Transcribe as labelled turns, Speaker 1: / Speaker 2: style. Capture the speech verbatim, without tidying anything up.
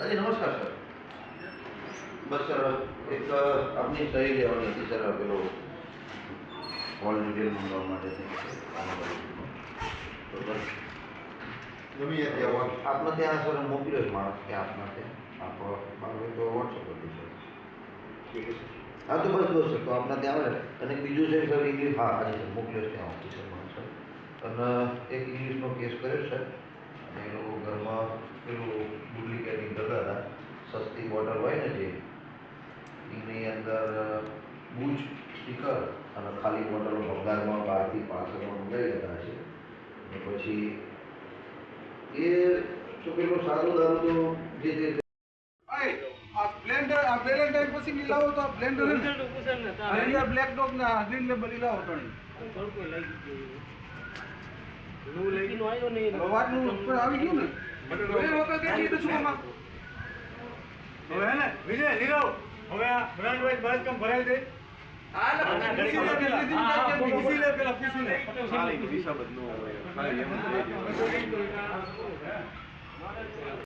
Speaker 1: जी नमस्कार सर। बस सर एक अपनी सही लेवानी थी सर पेलो ऑल डिटेल मंगावવા માટે તો બસ ગમે ત્યાં આપને ત્યાં સર મોકલ્યો છે માણસ કે આપને ત્યાં આપ મારો તો વોટ્સઅપ કરી સર ઠીક છે હા તો બસ બસ સર તો આપને ત્યાં આવે અને બીજું છે સર ઇંગ્લિશ હા આજે સર મોકલ્યો છે ત્યાં ઓફિસર માણસ સર અને એક ઇંગ્લિશનો કેસ કર્યો સર અને એ લોકો ઘરમાં પેલું ડુપ્લિકેટિંગ કરતા હતા સસ્તી બોટલ હોય ને જે એની અંદર બૂચ સ્ટીકર અને ખાલી બોટલો ભંગારમાં બહારથી પાર્સલમાં મંગાવી લેતા હશે અને પછી એ તો પેલો સારો દારૂ તો જે તે
Speaker 2: આ બ્લેન્ડર આ વેલેન્ટાઇન પછી ની લાવો તો આ બ્લેન્ડર ને અહીંયા બ્લેક ડોગ ના ગ્રીન લેબલ લાવો તો નહીં થોડું લાગી ગયું નું લઈ નો આવ્યો નહીં વાતનું ઉપર આવી ગયું ને એ વખત કેટલી તો શું માં હવે હે ને વિજય લીલો હવે આ બ્રાન્ડ વાઇઝ બસ કમ ભરાઈ દે આ ના પૂછી લે પેલા પૂછી લે પેલા પૂછી લે ખાલી હિસાબ જ ન હોય ખાલી એમ